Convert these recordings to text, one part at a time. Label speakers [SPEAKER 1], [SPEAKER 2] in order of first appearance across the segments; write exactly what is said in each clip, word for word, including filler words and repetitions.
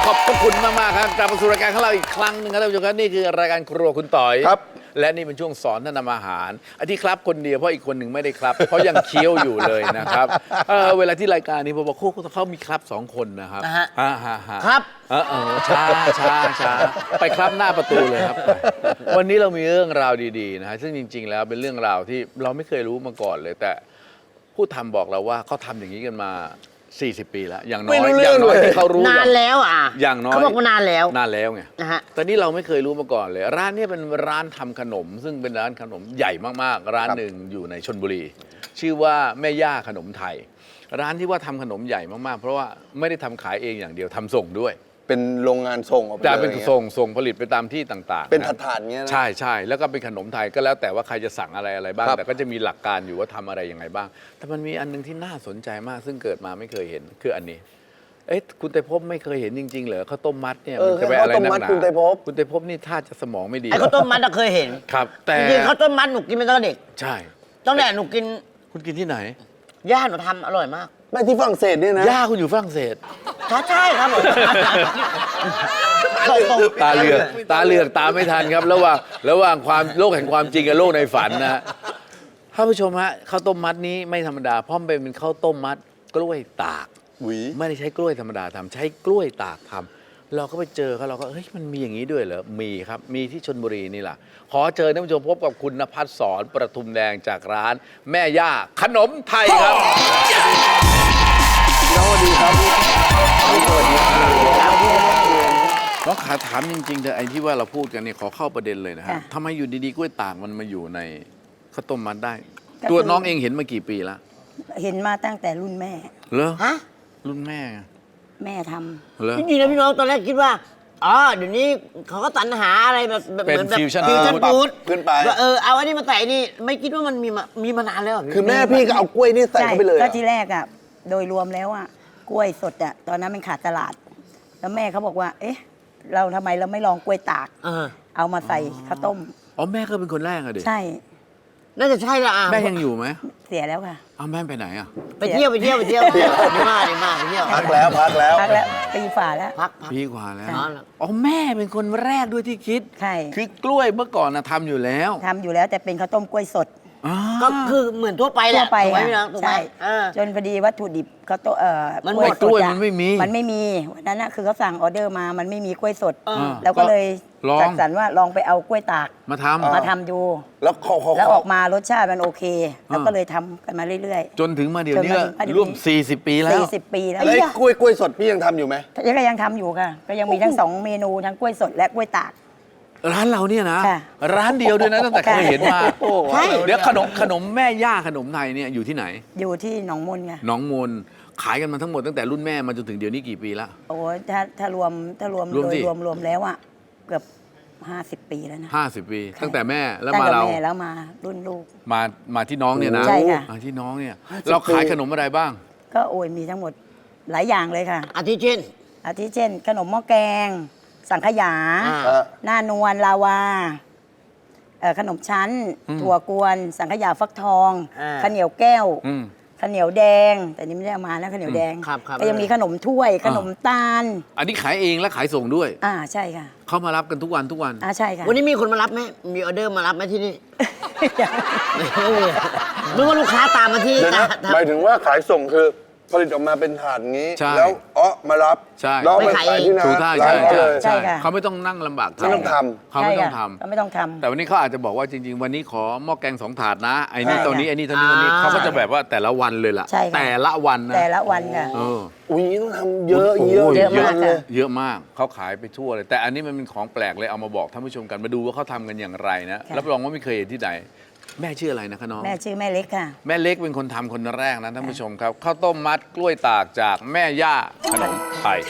[SPEAKER 1] ขอบพระคุณมากๆครับกลับมาสู่รายการของเราอีกครั้งหนึ่งครับท่านผู้ชมครับนี่คือรายการครัวคุณต่อยครับและนี่เป็นช่วงสอนท่านทำอาหารอันที่ครับคนเดียวเพราะอีกคนหนึ่งไม่ได้ครับเพราะยังเคี้ยวอยู่เลยนะครับเออเวลาที่รายการนี้ผมบอกเขาเขามีครับสองคนนะครับฮ่าฮ่าฮ่า
[SPEAKER 2] ครับ
[SPEAKER 1] เออเออช้าช้าช้าไปครับหน้าประตูเลยครับวันนี้เรามีเรื่องราวดีๆนะฮะซึ่งจริงๆแล้วเป็นเรื่องราวที่เราไม่เคยรู้มาก่อนเลยแต่ผู้ทำบอกเราว่าเขาทำอย่างนี้กันมาสี่สิบปีแล้วอย่างน้อยอย่างน้อยที่เขารู้
[SPEAKER 2] นานแล้วอ่ะ
[SPEAKER 1] อย่างน้อย
[SPEAKER 2] เขาบอกว่านานแล้ว
[SPEAKER 1] นานแล้วไง
[SPEAKER 2] นะฮะ
[SPEAKER 1] ตอนนี้เราไม่เคยรู้มาก่อนเลยร้านนี้เป็นร้านทำขนมซึ่งเป็นร้านขนมใหญ่มากๆร้านหนึ่งอยู่ในชลบุรีชื่อว่าแม่ย่าขนมไทยร้านที่ว่าทำขนมใหญ่มากๆเพราะว่าไม่ได้ทำขายเองอย่างเดียวทำส่งด้วย
[SPEAKER 3] เป็นโรงงานส่งออกไป
[SPEAKER 1] จะเป็นส่งส่งผลิตไปตามที่ต่างๆ
[SPEAKER 3] เป็นถาดๆเงี้ยนะ
[SPEAKER 1] ใช่ใช่แล้วก็เป็นขนมไทยก็แล้วแต่ว่าใครจะสั่งอะไรอะไรบ้างแต่ก็จะมีหลักการอยู่ว่าทำอะไรยังไงบ้างแต่มันมีอันนึงที่น่าสนใจมากซึ่งเกิดมาไม่เคยเห็นคืออันนี้เอ๊ะคุณไตรภพไม่เคยเห็นจริงๆเหรอข้าวต้มมัดเนี่ยมันจะไปอะไรนักหนาคุณไตรภพคุณไตรภพนี่ท่าจะสมองไม่ดี
[SPEAKER 2] ไอ้ข้าวต้มมัดเคยเห็น
[SPEAKER 1] ครับแต่
[SPEAKER 2] จริงๆข้าวต้มมัดหนูกินมาตั้งแต่เด็ก
[SPEAKER 1] ใช่
[SPEAKER 2] ตั้งแต่หนูกิน
[SPEAKER 1] คุณกินที่ไหน
[SPEAKER 2] ย่าหนูทำอร่อยมาก
[SPEAKER 3] ไม่ที่ฝรั่งเศสเนี่ยนะ
[SPEAKER 1] ย่าคุณอยู่ฝรั่งเศส
[SPEAKER 2] ใช่ใช่ครับผม
[SPEAKER 1] ตาเหลือกตาเหลือกตาไม่ทันครับระหว่างระหว่างความโลกแห่งความจริงกับโลกในฝันนะท่านผู้ชมฮะข้าวต้มมัดนี้ไม่ธรรมดาเพราะมันเป็นข้าวต้มมัดกล้วยตากไม่ได้ใช้กล้วยธรรมดาทำใช้กล้วยตากทำเราก็ไปเจอเขาเราก็เฮ้ยมันมีอย่างนี้ด้วยเหรอมีครับมีที่ชลบุรีนี่แหละขอเชิญท่านผู้ชมพบกับคุณณภัสสรประทุมแดงจากร้านแม่ย่าขนมไทยครับสวัสดีครับสวัสดีครับน้องขาถามจริงๆเถอะไอ้ที่ว่าเราพูดกันเนี่ยขอเข้าประเด็นเลยนะฮะทำไมอยู่ดีๆกล้วยตากมันมาอยู่ในข้าวต้มมัดได้ตัวน้องเองเห็นมากี่ปีแล้ว
[SPEAKER 4] เห็นมาตั้งแต่รุ่นแม่
[SPEAKER 1] เหรอ
[SPEAKER 2] ฮะ
[SPEAKER 1] รุ่นแม่
[SPEAKER 4] แม่ทำ
[SPEAKER 1] เหรอ
[SPEAKER 2] จริงๆนะพี่น้องตอนแรกคิดว่าอ๋อเดี๋ยวนี้เขาก็สรรหาอะไรแบบเหมือนแบบฟิวชั่นฟู้ด
[SPEAKER 3] ขึ้นไป
[SPEAKER 2] เออเอาอันนี้มาใส่นี่ไม่คิดว่ามันมีมามีมานานแล้ว
[SPEAKER 3] คือแม่พี่ก็เอากล้วยนี่ใส่เข้าไปเลย
[SPEAKER 4] ก็ทีแรกอ่ะโดยรวมแล้วอ่ะกล้วยสดอ่ะตอนนั้นมันขาดตลาดแล้วแม่เขาบอกว่าเอ๊ะเราทำไมเราไม่ลองกล้วยตากเอามาใส่ข้าวต้ม
[SPEAKER 1] อ๋อแม่ก็เป็นคนแรกอะเด็ก
[SPEAKER 4] ใช่
[SPEAKER 2] น่าจะใช่ละอ่ะ
[SPEAKER 1] แม่ยังอยู่ไหม
[SPEAKER 4] เสียแล้วค่ะ
[SPEAKER 1] เอาแม่ไปไหนอ่ะ
[SPEAKER 2] ไปเที่ยวไปเที่ยวไปเที่ยวดีมากดีมากไปเที่ยว
[SPEAKER 3] พักแล้วพักแล้ว
[SPEAKER 4] พักแล้วปีฝ่าแล้ว
[SPEAKER 2] พัก
[SPEAKER 1] ปีกว่าแล้วอ๋อแม่เป็นคนแรกด้วยที่คิด
[SPEAKER 4] ใช่
[SPEAKER 1] คือกล้วยเมื่อก่อนนะทำอยู่แล้ว
[SPEAKER 4] ทำอยู่แล้วแต่เป็นข้าวต้มกล้วยสด
[SPEAKER 2] ก็คือเหมือนทั่วไปแหละ
[SPEAKER 4] ทั่วไป
[SPEAKER 2] ใช่
[SPEAKER 4] จนพอดีวัตถุดิบเขาโตเอ่อ
[SPEAKER 1] มันหมดกล้วยมันไม่มี
[SPEAKER 4] มันไม่มีวันนั้นนะคือเขาสั่งออเดอร์มามันไม่มีกล้วยสดแล้วก็เลยจัดสรรว่าลองไปเอากล้วยตาก
[SPEAKER 1] มาทำ
[SPEAKER 4] มาทำดู
[SPEAKER 3] แล้ว
[SPEAKER 4] แล้วออกมารสชาติมันโอเคแล้วก็เลยทำกันมาเรื่อย
[SPEAKER 1] ๆจนถึงมาเดี๋ยวนี้ร่วมสี่สิบปีแล้ว
[SPEAKER 4] สี่สิบปีแล้ว
[SPEAKER 3] ไอ้กล้วยกล้วยสดพี่ยังทำอยู่ไหม
[SPEAKER 4] ยังก็ยังทำอยู่ค่ะก็ยังมีทั้งสองเมนูทั้งกล้วยสดและกล้วยตาก
[SPEAKER 1] ร้านเราเนี่ยนะร้านเดียวด้วยนะตั้งแต่เคยเห็นมาใช่เดี๋ยวขนมขนมแม่ย่าขนมไทยเนี่ยอยู่ที่ไหน
[SPEAKER 4] อยู่ที่หนองมนไง
[SPEAKER 1] หนองมนขายกันมาทั้งหมดตั้งแต่รุ่นแม่มาจนถึงเดี๋ยวนี้กี่ปีละ
[SPEAKER 4] โอ้ถ้าถ้ารวมถ้ารวมโดยรวมรวมแล้วอ่ะเกือบห้าสิบปีแล้วนะ
[SPEAKER 1] ห้าสิบปีตั้งแต่แม่แล้วมาเรา
[SPEAKER 4] แม่แล้วมารุ่นลูก
[SPEAKER 1] มามาที่น้องเนี่ยนะ
[SPEAKER 4] ใช่ค่ะ
[SPEAKER 1] ที่น้องเนี่ยเราขายขนมอะไรบ้าง
[SPEAKER 4] ก็โอ้ยมีทั้งหมดหลายอย่างเลยค่ะ
[SPEAKER 2] อาทิเช่น
[SPEAKER 4] อาทิเช่นขนมหม้อแกงสังขยาหน้านวลลาวาขนมชั้นถั่วกวนสังขยาฟักทองข้าวเหนียวแก้วข้าวเหนียวแดงแต่นี่ไม่ได้เอามานะข้าวเหนียวแดงก็ยังมีขนมถ้วยขนมตาล
[SPEAKER 1] อันนี้ขายเองและขายส่งด้วย
[SPEAKER 4] อ่าใช่ค่ะ
[SPEAKER 1] เขามารับกันทุกวันทุกวัน
[SPEAKER 4] อ่าใช่ค่ะ
[SPEAKER 2] วันนี้มีคนมารับไหมมีออเดอร์มารับไหมที่นี่เมื่อว่าลูกค้าตามมาที่
[SPEAKER 3] หมายถึงว่าขายส่งคือผลิตออกมาเป็นถาดงี้แล้วอ๋อมารับ
[SPEAKER 1] แล้ว
[SPEAKER 3] ไปขายที่ร้าน
[SPEAKER 1] ใช่ใช่ใช่เขาไม่ต้องนั่งลำบาก
[SPEAKER 3] ไม่ต้องท
[SPEAKER 1] ำเขาไม่ต้องทำ
[SPEAKER 4] เขาไม่ต้องทำ
[SPEAKER 1] แต่วันนี้เขาอาจจะบอกว่าจริงๆวันนี้ขอหม้อแกงสองถาดนะไอ้นี่ตัวนี้ไอ้นี่ตัวนี้ตัวนี้เขาก็จะแบบว่าแต่ละวันเลยล่ะแต่ละวันนะ
[SPEAKER 4] แต่ละวันค่ะ
[SPEAKER 3] อุ้ยต้องทำเยอะเยอะ
[SPEAKER 4] เยอะมากเลย
[SPEAKER 1] เยอะมากเขาขายไปทั่วเลยแต่อันนี้มันเป็นของแปลกเลยเอามาบอกท่านผู้ชมกันมาดูว่าเขาทำกันอย่างไรนะรับรองว่าไม่เคยเห็นที่ไหนแม่ชื่ออะไรนะคะน้อง
[SPEAKER 4] แม่ชื่อแม่เล็กค่ะ
[SPEAKER 1] แม่เล็กเป็นคนทำคนแรกนะท่านผู้ชมครับข้าวต้มมัดกล้วยตากจากแม่ย่าขนมไทย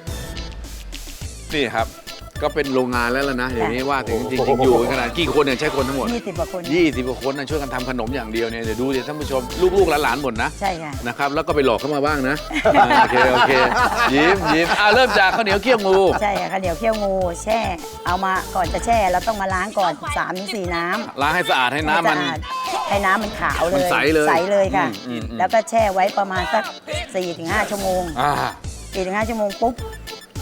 [SPEAKER 1] นี่ครับก็เป็นโรงงานแล้วล่ะนะอย่างนี้ว่าถึงจริงๆอยู่ขนาดกี่คนเนี่ยใช้คนทั้งหมด
[SPEAKER 4] ยี่สิบกว่าคน
[SPEAKER 1] ยี่สิบกว่าคนนะช่วยกันทำขนมอย่างเดียวเนี่ยเดี๋ยวดูดิท่านผู้ชมลูกๆหลานๆหมดนะ
[SPEAKER 4] ใช่ค่ะ
[SPEAKER 1] นะครับแล้วก็ไปหลอกเข้ามาบ้างนะโอเคโอเคยิ้มยิ้มอ่ะเริ่มจากข้าวเหนียวเคี่ยวงู
[SPEAKER 4] ใช่ค่ะข้าวเหนียวเคี่ยวงูแช่เอามาก่อนจะแช่เราต้องมาล้างก่อน สามถึงสี่ น้ำ
[SPEAKER 1] ล้างให้สะอาดให้น้ำมัน
[SPEAKER 4] ให้น้ำมันขาวเลย
[SPEAKER 1] ใสเลย
[SPEAKER 4] ใสเลยค่ะแล้วก็แช่ไว้ประมาณสัก สี่ถึงห้า ชั่วโมงสี่ถึงห้า ชั่วโมงปุ๊บเส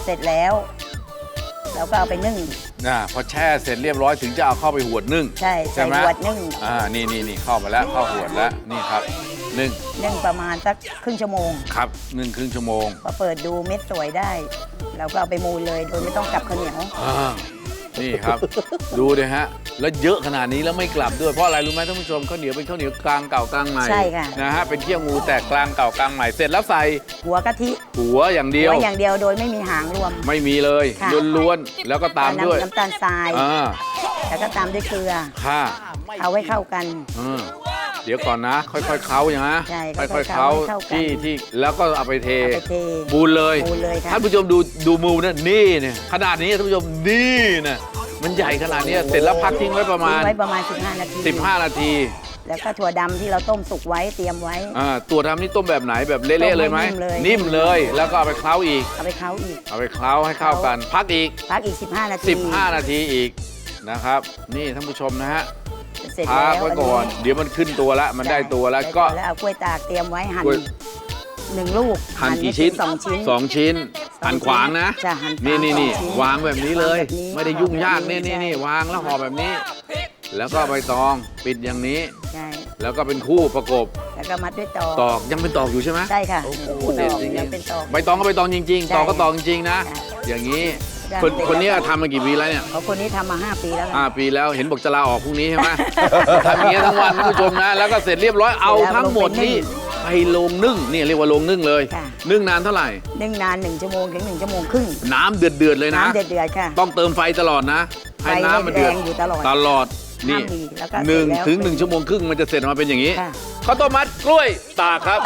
[SPEAKER 4] เสร็จแล้วเราก็เอาไปนึ่ง
[SPEAKER 1] อ่าพอแช่เสร็จเรียบร้อยถึงจะเอาเข้าไปหวดนึ่ง
[SPEAKER 4] ใช่ใส่
[SPEAKER 1] ไหม
[SPEAKER 4] หวดนึ่ง
[SPEAKER 1] อ่านี่นี่นี่เข้ามาแล้วเข้าหวดแล้วนี่ครับนึ่ง
[SPEAKER 4] นึ่งประมาณสักครึ่งชั่วโมง
[SPEAKER 1] ครับนึ่งครึ่งชั่วโมง
[SPEAKER 4] พอเปิดดูเม็ดสวยได้ เราก็เอาไปมูลเลยโดยไม่ต้องกลับข้าวเหนียว
[SPEAKER 1] อ่านี่ครับ ดูเลยฮะ แล้วเยอะขนาดนี้แล้วไม่กลับด้วย เพราะอะไรรู้ไหมท่านผู้ชมข้าวเหนียวเป็นข้าวเหนียวกลางเก่ากลางใหม่
[SPEAKER 4] ใช่ค่ะ
[SPEAKER 1] นะฮะเป็นเขี้ยวงูแต่กลางเก่ากลางใหม่เสร็จแล้วใส่
[SPEAKER 4] หัวกะทิ
[SPEAKER 1] หัวอย่างเดียว
[SPEAKER 4] ไว้อย่างเดียวโดยไม่มีหางรวม
[SPEAKER 1] ไม่มีเลย
[SPEAKER 4] ค่ะ
[SPEAKER 1] ล้วนๆแล้วก็ตามด้วย
[SPEAKER 4] น้ำน้ำตาลทราย
[SPEAKER 1] อ่า
[SPEAKER 4] แล้วก็ตามด้วยเกลือ
[SPEAKER 1] ค่ะ
[SPEAKER 4] เอาไว้เข้ากัน
[SPEAKER 1] อืมเดี๋ยวก่อนนะ ค่อยๆเค้าอย่างนะ
[SPEAKER 4] ใช่
[SPEAKER 1] ค่
[SPEAKER 4] ค่
[SPEAKER 1] อ
[SPEAKER 4] อย ย
[SPEAKER 1] ๆ
[SPEAKER 4] ๆ
[SPEAKER 1] เค้า
[SPEAKER 4] เค้าให้เข้ากัน
[SPEAKER 1] ที่ที่แล้วก็เอาไปเท
[SPEAKER 4] เอาไปเท
[SPEAKER 1] บูนเลย
[SPEAKER 4] มูลเลยค่ะ
[SPEAKER 1] ท่านผู้ชมดูดูมูนะนี่เนี่ยขนาดนี้ท่านผู้ชมนี่นะมันใหญ่ขนาดนี้เสร็จแล้วพักทิ้งไว้ประมา
[SPEAKER 4] ทิ้
[SPEAKER 1] ณ
[SPEAKER 4] งไว้ประมาณ สิบห้า นาที
[SPEAKER 1] สิบห้า นาที
[SPEAKER 4] แล้วก็ถั่วดำที่เราต้มสุกไว้เตรียมไว้
[SPEAKER 1] อ่าตัวทำนี่ต้มแบบไหนแบบเละๆเลยไหม
[SPEAKER 4] ต้มให้นิ่มเลย
[SPEAKER 1] นิ่มเลย แล้วก็เอาไปเคล้าอีก
[SPEAKER 4] เอาไปเค้าอีก
[SPEAKER 1] เอาไปเคล้าให้เข้ากัน พักอีก
[SPEAKER 4] พักอีก สิบห้า นาที
[SPEAKER 1] สิบห้า นาทีอีกนะครับ นี่ท่านผู้ชมนะฮะ
[SPEAKER 4] เสร็จ
[SPEAKER 1] พั
[SPEAKER 4] แล้
[SPEAKER 1] ก
[SPEAKER 4] ว
[SPEAKER 1] ไว้ก่อน เดี๋ยวมันขึ้นตัวแล้วมันได้ตัวแล้วก็
[SPEAKER 4] แล้วเอากล้วยตากเตรียมไว้หั่น
[SPEAKER 1] กล้วย
[SPEAKER 4] หนึ่งลูก
[SPEAKER 1] หั่นกี่ชิ้น
[SPEAKER 4] สองชิ้น
[SPEAKER 1] สองชิ้นหั่นขวางนะ
[SPEAKER 4] จะหั่นขวาง
[SPEAKER 1] นี่นี่นี่
[SPEAKER 4] สองชิ้น
[SPEAKER 1] วางแบบนี้เลย
[SPEAKER 4] วางแบบนี้
[SPEAKER 1] ไม่ได้ยุ่งยาก
[SPEAKER 4] วางแบบนี้
[SPEAKER 1] นี่นี่นี่
[SPEAKER 4] ใช่
[SPEAKER 1] วางแล้วห่อแบบนี้ แล้วก็ใบตองปิดอย่างนี้
[SPEAKER 4] ใช่
[SPEAKER 1] แล้วก็เป็นคู่ประกบ
[SPEAKER 4] แล้วก็มัดด้วยตอก
[SPEAKER 1] ตอกยังเป็นตอกอยู่ใช่ไหม
[SPEAKER 4] ใช่ค่ะ
[SPEAKER 1] โอ้โห
[SPEAKER 4] ต
[SPEAKER 1] เด็ด
[SPEAKER 4] อก
[SPEAKER 1] จริง
[SPEAKER 4] ยังเป็นตอก
[SPEAKER 1] ๆใบตองก็ใบตองจริง
[SPEAKER 4] ใช่
[SPEAKER 1] ๆ ตอกก็ตอกจริงๆนะ
[SPEAKER 4] ค่ะ
[SPEAKER 1] อย่างนี้
[SPEAKER 4] ได้
[SPEAKER 1] คน
[SPEAKER 4] เสร็จ
[SPEAKER 1] คนนี้
[SPEAKER 4] แล้ว
[SPEAKER 1] ทำมากี่ปีแล้วเนี่ย
[SPEAKER 4] เขาคนนี้ทำมาห้าปีแล้ว
[SPEAKER 1] ห้า
[SPEAKER 4] ค่ะ
[SPEAKER 1] ปีแล้วเห็นบอกจะลาออกพรุ่งนี้ใช่ไหม ทำอย่างเงี้ยทั้งวันท่านผู้ชมนะ แล้วก็เสร็จเรียบร้อยเอาทั้งหมดนี่ไปลงนึ่งนี่เรียกว่าลงนึ่งเลย
[SPEAKER 4] ค่ะ
[SPEAKER 1] นึ่งนานเท่าไหร่
[SPEAKER 4] นึ่งนานหนึ่งชั่วโมงถึงหนึ่งชั่วโมงครึ่ง
[SPEAKER 1] น้ำเดือดเดือดๆเลยนะ
[SPEAKER 4] น้ำเดือดๆค่ะ
[SPEAKER 1] ต้องเติมไฟตลอดนะ ให้น้ำมันเดือด
[SPEAKER 4] ไฟแรงอยู่ตลอด
[SPEAKER 1] ตลอดนี่
[SPEAKER 4] ห้ามดีแล้วก็
[SPEAKER 1] หนึ่ง
[SPEAKER 4] เสร็จแล้ว
[SPEAKER 1] ถึงหนึ่งชั่วโมงครึ่งมันจะเสร็จออกมาเป็นอย่างนี้
[SPEAKER 4] ค่ะ
[SPEAKER 1] ข้าวต้มมัดกล้วยตากครับ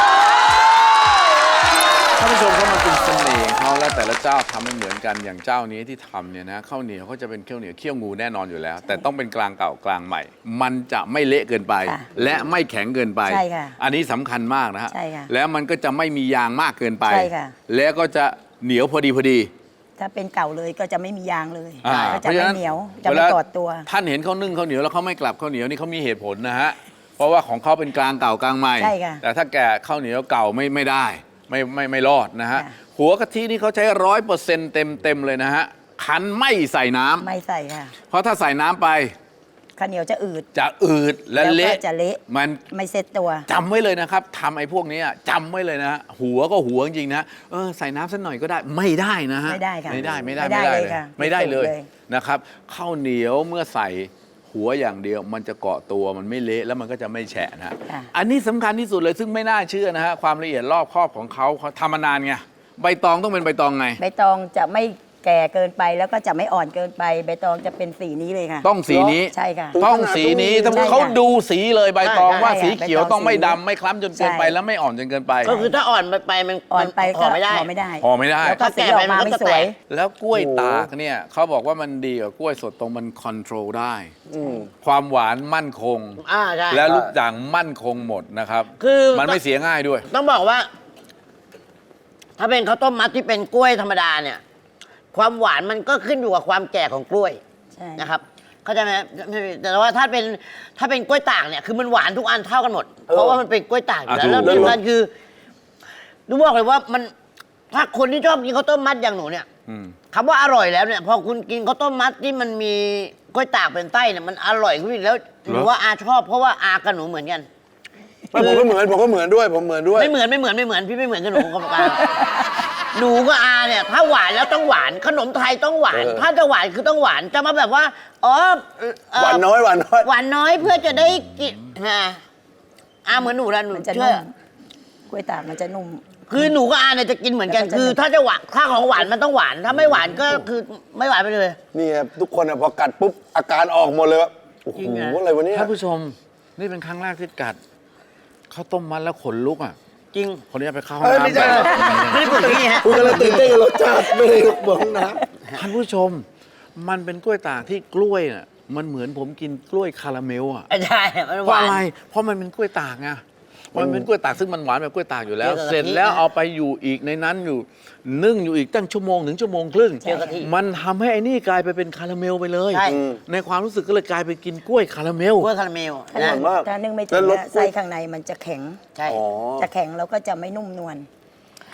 [SPEAKER 1] ท่านผู้ชมเขามันเป็นเสน่ห์ของเขาแล้วแต่ละเจ้าทำไม่เหมือนกันอย่างเจ้านี้ที่ทำเนี่ยนะข้าวเหนียวเขาจะเป็นข้าวเหนียวเคี่ยวงูแน่นอนอยู่แล้ว แต่ต้องเป็นกลางเก่ากลางใหม่ มันจะไม่เละเกินไป
[SPEAKER 4] ค่ะ
[SPEAKER 1] และไม่แข็งเกินไป
[SPEAKER 4] ใช่ค่ะ
[SPEAKER 1] อันนี้สำคัญมากนะฮะ
[SPEAKER 4] ใช่ค่ะ
[SPEAKER 1] แล้วมันก็จะไม่มียางมากเกินไป
[SPEAKER 4] ใช่ค่ะ
[SPEAKER 1] แล้วก็จะเหนียวพอดีพอดี
[SPEAKER 4] ถ้าเป็นเก่าเลยก็จะไม่มียางเลย
[SPEAKER 1] อ่า
[SPEAKER 4] ก็จะไม่เหนียวจะ
[SPEAKER 1] เว
[SPEAKER 4] ไม่
[SPEAKER 1] ลา
[SPEAKER 4] ตอดตัว
[SPEAKER 1] ท่านเห็นเขานึ่งข้าวเหนียวแล้วเขาไม่กลับข้าวเหนียวนี่เขามีเหตุผลนะฮะ เพราะว่าของเขาเป็นกลางเก่ากลางใหม่
[SPEAKER 4] ใช่ค่ะ
[SPEAKER 1] แต่ถ้าแก่ข้าวเหนียวเก่าไม่ไม่ได้ไม่ไม่ไม่รอดนะฮะ
[SPEAKER 4] ค่ะ
[SPEAKER 1] หัวกะทินี่เขาใช้ร้อยเปอร์เซ็นต์เต็มเต็มเลยนะฮะ คั้นไม่ใส่น้ำ
[SPEAKER 4] ไม่ใส่ค่ะ
[SPEAKER 1] เพราะถ้าใส่น้ำไป
[SPEAKER 4] ข้าวเหนียวจะอืด
[SPEAKER 1] จะอืดและ
[SPEAKER 4] แล้วก็
[SPEAKER 1] เละ
[SPEAKER 4] จะเละ
[SPEAKER 1] มัน
[SPEAKER 4] ไม่เซ็ตตัว
[SPEAKER 1] จำไว้เลยนะครับทำไอ้พวกนี้จำไว้เลยนะฮะหัวก็หัวจริงๆนะเออใส่น้ำสักหน่อยก็ได้ไม่ได้นะฮะ
[SPEAKER 4] ไม่ได้ค่ะ
[SPEAKER 1] ไม่ได้ไม่ได้
[SPEAKER 4] ไม่ได้เลยค่ะ
[SPEAKER 1] ไม่ได้เลย
[SPEAKER 4] ไม่ได้เลย
[SPEAKER 1] นะครับข้าวเหนียวเมื่อใส่หัวอย่างเดียว มันจะเกาะตัวมันไม่เละแล้วมันก็จะไม่แฉะนะฮะ
[SPEAKER 4] ค่ะ
[SPEAKER 1] อันนี้สำคัญที่สุดเลยซึ่งไม่น่าเชื่อนะฮะความละเอียดรอบครอบของเขาเขาทำมานานไงใบตองต้องเป็นใบตองไง
[SPEAKER 4] ใบตองจะไม่แก่เกินไปแล้วก็จะไม่อ่อนเกินไป ใบตองจะเป็นสีนี้เลยค่ะ
[SPEAKER 1] ต้องสีนี้
[SPEAKER 4] ใช่ค่ะ
[SPEAKER 1] ต้องสีนี้
[SPEAKER 3] ใช่
[SPEAKER 1] ถ้า
[SPEAKER 3] ค่ะ
[SPEAKER 1] เขาดูสีเลยใบตอง
[SPEAKER 4] ใช่
[SPEAKER 1] ว่า
[SPEAKER 4] ใช่
[SPEAKER 1] สีเขียว
[SPEAKER 4] ใบตอง
[SPEAKER 1] ต้องไม่
[SPEAKER 4] สี
[SPEAKER 1] ดำไม่คล้ำจนเกินไป
[SPEAKER 4] ใช่
[SPEAKER 1] แล้วไม่อ่อนจนเกินไป
[SPEAKER 2] ก็คือถ้าอ่อนไปไปมัน
[SPEAKER 4] อ่อนไป
[SPEAKER 2] ห่
[SPEAKER 4] ก็
[SPEAKER 2] อไม่ได้
[SPEAKER 4] ห่อไม่ได้
[SPEAKER 1] ห่อไม่ได้
[SPEAKER 4] แล้วก็สีออกมาไม่สวย
[SPEAKER 1] แล้วกล้วยตากเนี่ยเขาบอกว่ามันดีกว่ากล้วยสดตรงมันคอนโทรลได้
[SPEAKER 3] อืม
[SPEAKER 1] ความหวานมั่นคง
[SPEAKER 2] อ่าใช่
[SPEAKER 1] และลูกด่างมั่นคงหมดนะครับ
[SPEAKER 2] คือ
[SPEAKER 1] มันไม่เสียง่ายด้วย
[SPEAKER 2] ต้องบอกว่า ถ้าเป็นข้าวต้มมัดที่เป็นกล้วยธรรมดาเนี่ย ความหวานมันก็ขึ้นอยู่กับความแก่ของกล้วย
[SPEAKER 4] ใช่
[SPEAKER 2] นะครับ เข้าใจไหมแต่ว่าถ้าเป็นถ้าเป็นกล้วยตากเนี่ยคือมันหวานทุกอันเท่ากันหมด เพราะว่ามันเป็นกล้วยตากอยู่แล้ว
[SPEAKER 1] อ่ะถูก
[SPEAKER 2] แล้วที่สำคัญคือดูบอกเลยว่ามันถ้าคนที่ชอบกินข้าวต้มมัดอย่างหนูเนี่ย
[SPEAKER 1] อืม
[SPEAKER 2] คำว่าอร่อยแล้วเนี่ยพอคุณกินข้าวต้มมัดที่มันมีกล้วยตากเป็นไส้เนี่ยมันอร่อยขึ้นอีกแล้วหนูว่าอาชอบเพราะว่าอากับหนูเหมือนกัน
[SPEAKER 3] ไม่ผมก็เหมือนผมก็เหมือนด้วยผมเหมือนด้วย
[SPEAKER 2] ไม่เหมือนไม่เหมือนไม่เหมือนพี่ไม่เหมือนกับหนูกับอาหนูกับอาเนี่ย ถ้าหวานแล้วต้องหวานขนมไทยต้องหวาน
[SPEAKER 3] เออ
[SPEAKER 2] ถ้าจะหวานคือต้องหวานจะมาแบบว่าอ๋อเอ่อ
[SPEAKER 3] หวานน้อยหวานน้อย
[SPEAKER 2] หวานน้อยเพื่อจะได้กินฮะอาเหมือนหนูละหนู
[SPEAKER 4] มันจะ
[SPEAKER 2] เชื่
[SPEAKER 4] นุ่
[SPEAKER 2] อ
[SPEAKER 4] มกล้วยตากมันจะนุ่ม
[SPEAKER 2] คือหนูกับอาเนี่ยจะกินเหมือนกัน
[SPEAKER 4] แล้วก็จะ
[SPEAKER 2] คือถ้าจะหวานถ้าของหวานมันต้องหวาน ถ้าไม่หวานก็คือไม่หวานไปเลย
[SPEAKER 3] นี่ครับทุกคนอะพอกัดปุ๊บอาการออกหมดเลยว่าโอ้โห
[SPEAKER 2] จริงอะ
[SPEAKER 3] อะไรวะเนี่ย
[SPEAKER 1] ท่านผู้ชมนี่เป็นครั้งแรกที่กัดข้าวต้มมัดแล้วขนลุกอ่ะ
[SPEAKER 2] จริง
[SPEAKER 1] คนนี้ไปเข้าห้อง
[SPEAKER 3] เอ้ยไม่
[SPEAKER 1] น้ำ
[SPEAKER 3] ใช่
[SPEAKER 1] ไป
[SPEAKER 2] ไม่ได้พูดอย่างนี้ฮะ
[SPEAKER 3] คุณกำลังตื่นเต้นกับรสชาติไม่ได้บอกนะ
[SPEAKER 1] ท่านผู้ชม มันเป็นกล้วยตากที่กล้วยน่ะมันเหมือนผมกินกล้วยคาราเมลอ่ะ
[SPEAKER 2] ใช่มัน
[SPEAKER 1] เพ
[SPEAKER 2] ห
[SPEAKER 1] ราะ
[SPEAKER 2] วาน
[SPEAKER 1] อะไร เพราะมันเป็นกล้วยตากไงมันเป็นกล้วยตากซึ่งมันหวานแบบกล้วยตากอยู่แล้ว
[SPEAKER 2] เจอกะทิ
[SPEAKER 1] เสร็จแล้วเอาไปอยู่อีกในนั้นอยู่นึ่งอยู่อีกตั้งชั่วโมงถึงชั่วโมงครึ่ง
[SPEAKER 2] เจอกะทิ
[SPEAKER 1] มันทำให้ไอ้นี่กลายไปเป็นคาราเมลไปเลย
[SPEAKER 2] ใช่
[SPEAKER 1] ในความรู้สึกก็เลยกลายไปกินกล้วยคาราเมล
[SPEAKER 2] กล้วยคาราเมล
[SPEAKER 4] ถ้า
[SPEAKER 2] นะ
[SPEAKER 4] นึ่ง
[SPEAKER 3] มาก
[SPEAKER 4] ถ้านึ่งไม่
[SPEAKER 3] แล้
[SPEAKER 4] ถึ
[SPEAKER 3] ว
[SPEAKER 4] ง
[SPEAKER 3] รส
[SPEAKER 4] อะไส้ข้างในมันจะแข็ง
[SPEAKER 2] ใช่
[SPEAKER 3] อ๋อ
[SPEAKER 4] จะแข็งแล้วก็จะไม่นุ่มนวล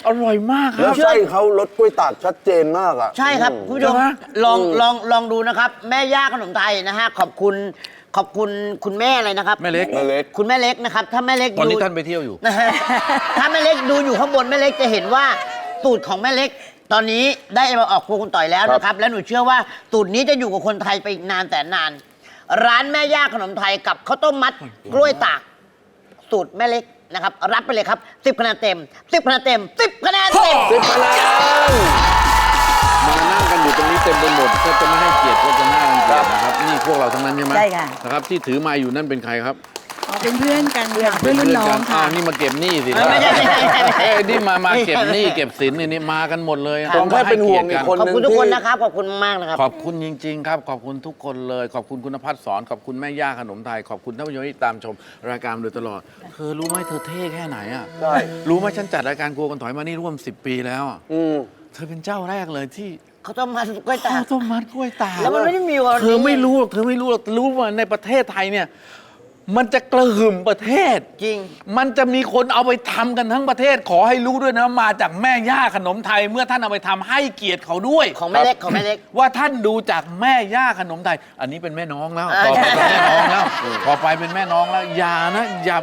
[SPEAKER 1] อร่อยมากค
[SPEAKER 3] แล้
[SPEAKER 1] รั
[SPEAKER 3] ว
[SPEAKER 1] บ
[SPEAKER 3] ไส้เขารสกล้วยตากชัดเจนมากอ่ะ
[SPEAKER 2] ใช่ครับคุณผู้ชม
[SPEAKER 1] ใช่ไหม
[SPEAKER 2] ลองลองลองดูนะครับ แม่ย่าขนมไทยนะฮะขอบคุณขอบคุณคุณแม่อะไรนะครับ
[SPEAKER 1] แม่เล็ก
[SPEAKER 3] แม่เล็ก
[SPEAKER 2] คุณแม่เล็กนะครับ ถ้าแม่เล็ก
[SPEAKER 1] วัน
[SPEAKER 2] ดู
[SPEAKER 1] นี้ท่านไปเที่ยวอยู่
[SPEAKER 2] นะฮะถ้าแม่เล็กดูอยู่ข้างบนแม่เล็กจะเห็นว่าสูตรของแม่เล็ก ตอนนี้ได้มาออกครัวคุณต่อยแล้วนะครับ แล้วหนูเชื่อว่าสูตรนี้จะอยู่กับคนไทยไปอีกนานแต่นาน ร้านแม่ย่าขนมไทยกับข้าวต้มมัดกล้วยตากสูตรแม่เล็กนะครับรับไปเลยครับสิบคะแนนเต็มสิบคะแนนเต็มสิบคะแนนเต็ม
[SPEAKER 3] สิบคะแนน
[SPEAKER 1] มานั่งกันอยู่ตรงนี้เต็มไปหมดก็จะไม่ให้เกียรติก็จะน่ารังเกียจนะครับนี่พวกเราทั้งนั้นใช่ไหม
[SPEAKER 4] ใช่ค่ะ
[SPEAKER 1] นะครับที่ถือมาอยู่นั่นเป็นใครครับ
[SPEAKER 5] อ๋อเป็นเพื่อนกันค่ะเพื่อนรุ่นน้องค่ะ
[SPEAKER 1] าวนี่มาเก็บหนี้สิ
[SPEAKER 2] ไม่ใช่ไม่ใช่ไม่ใช่ไม่ใช่
[SPEAKER 1] เอ้ยนี่มามาเก็บหนี้เก็บสินนี่นี่มากันหมดเลย
[SPEAKER 3] ผมแค่เป็นห่วงอีกคน
[SPEAKER 2] ขอบ
[SPEAKER 3] นึง
[SPEAKER 2] คุณทุกคน
[SPEAKER 3] ที่
[SPEAKER 2] นะครับขอบคุณมากนะครับ
[SPEAKER 1] ขอบคุณจริง ๆ ครับ ขอบคุณทุกคนเลย ขอบคุณคุณพัฒน์สอนขอบคุณแม่ย่าขนมไทย ขอบคุณท่านผู้ชมที่ตามชมรายการมาโดยตลอดเธอรู้ไหมเธอเท่แค่ไหนอ่ะ
[SPEAKER 3] ใช่
[SPEAKER 1] รู้ไหมฉันจัดรายการกลัวกันถอยมานี่ร่วมสิบปีแล้วอะ
[SPEAKER 3] อืม
[SPEAKER 1] เธอเป็นเจ้าแรกเลยที่
[SPEAKER 2] เขาต้องมากล้วยตา
[SPEAKER 1] ข้าก วต้มมัดกล้วยตาก
[SPEAKER 2] แล้วมันไม่ได้มีวันนี้
[SPEAKER 1] เธอไม่รู้หรอกเธอไม่รู้หรอกรู้ว่าในประเทศไทยเนี่ย มันจะกระหึ่มประเทศ
[SPEAKER 2] จริง
[SPEAKER 1] มันจะมีคนเอาไปทำกันทั้งประเทศ ขอให้รู้ด้วยนะมาจากแม่ย่าขนมไทย เมื่อท่านเอาไปทำให้เกียรติเขาด้วย
[SPEAKER 2] ของแม่เล็กของแม่เล็ก
[SPEAKER 1] ว่าท่านดูจากแม่ย่าขนมไทย อันนี้เป็นแม่น้องแล้ว
[SPEAKER 2] อ่า
[SPEAKER 1] ต่อไปเป็นแม่น้องแล้วต่อไปเป็นแม่น้องแล้ว อย่านะอย่า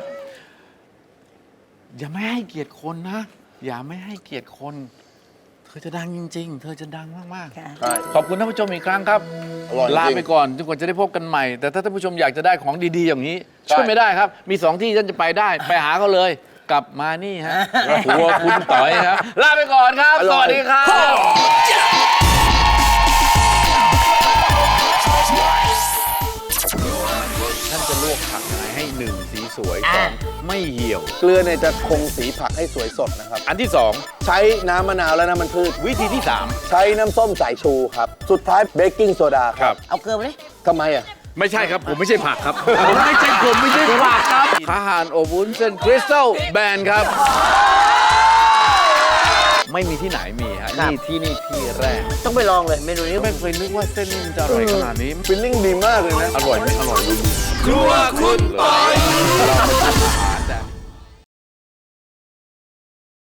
[SPEAKER 1] อย่าไม่ให้เกียรติคนนะ อย่าไม่ให้เกียรติคน เธอจะดังจริง ๆ เธอจะดังมาก
[SPEAKER 4] ค่ะ
[SPEAKER 3] ใช่
[SPEAKER 1] ๆ ขอบคุณท่านผู้ชมอีกครั้งครับ
[SPEAKER 3] อร่อยจริง
[SPEAKER 1] ลาไปก่อนจนกว่าจะได้พบกันใหม่ แต่ถ้าท่านผู้ชมอยากจะได้ของดีๆ อย่างนี้
[SPEAKER 3] ใช่
[SPEAKER 1] ช่วยไม่ได้ครับ มีสองที่ท่านจะไปได้ ไปหาเขาเลย กลับมานี่ฮะครัวคุณต่อยครับ ลาไปก่อนครับ สวัสดีครับ ท่านจะลวกผักยังไงให้หนึ่งสีสวยสองไม่เหี่ยว
[SPEAKER 3] เกลือเนี่ยจะคงสีผักให้สวยสดนะครับ
[SPEAKER 1] อันที่สอง
[SPEAKER 3] ใช้น้ำมะนาวและน้ำมันพืช
[SPEAKER 1] วิธีที่สาม
[SPEAKER 3] ใช้น้ำส้มสายชูครับ สุดท้ายเบกกิ้งโซดาครับ
[SPEAKER 2] เอาเกลือมาเลย
[SPEAKER 3] ทำไมอ่ะ
[SPEAKER 1] ไม่ใช่ครับ ผมไม่ใช่ผักครับ ผมไม่ใช่ผมไม่ใช่ผักครับอาหารอบวุ้นเส้นคริสตัลแบนครับ ไม่มีที่ไหนมีฮะ
[SPEAKER 2] ครับ
[SPEAKER 1] นี่ที่นี่ที่แรก
[SPEAKER 2] ต้องไปลองเลยเมนูนี้
[SPEAKER 1] ไม่เคยนึกว่าเส้นนี่มันจะอร่อยขนาดนี้
[SPEAKER 3] ฟิลลิ่งดีมากเลยนะ
[SPEAKER 1] อร่อยไหมอร่อยครัวคุณปอย